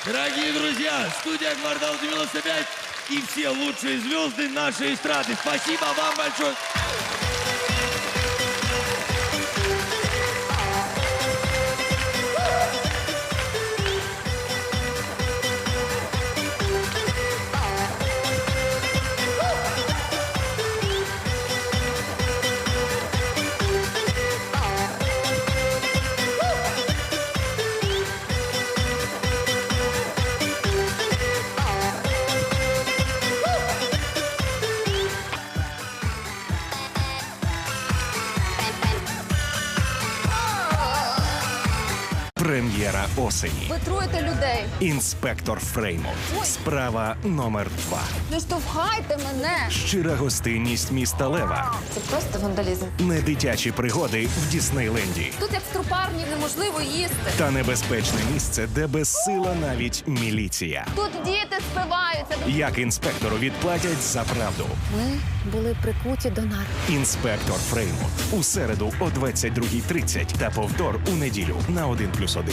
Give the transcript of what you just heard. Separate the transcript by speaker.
Speaker 1: Дорогие друзья, студия «Квартал 95» и все лучшие звезды нашей эстрады. Спасибо вам большое.
Speaker 2: Прем'єра осені.
Speaker 3: Ви труєте людей.
Speaker 2: Інспектор Фреймут. Справа номер 2.
Speaker 3: Не штовхайте мене.
Speaker 2: Щира гостинність міста Лева.
Speaker 3: Це просто вандалізм.
Speaker 2: Недитячі пригоди в Діснейленді.
Speaker 3: Тут як в трупарні неможливо їсти.
Speaker 2: Та небезпечне місце, де безсила навіть міліція.
Speaker 3: Тут діти спиваються.
Speaker 2: Як інспектору відплатять за правду.
Speaker 3: Ми були прикуті до нар.
Speaker 2: Інспектор Фреймут. У середу о 22:30 та повтор у неділю на 1+1.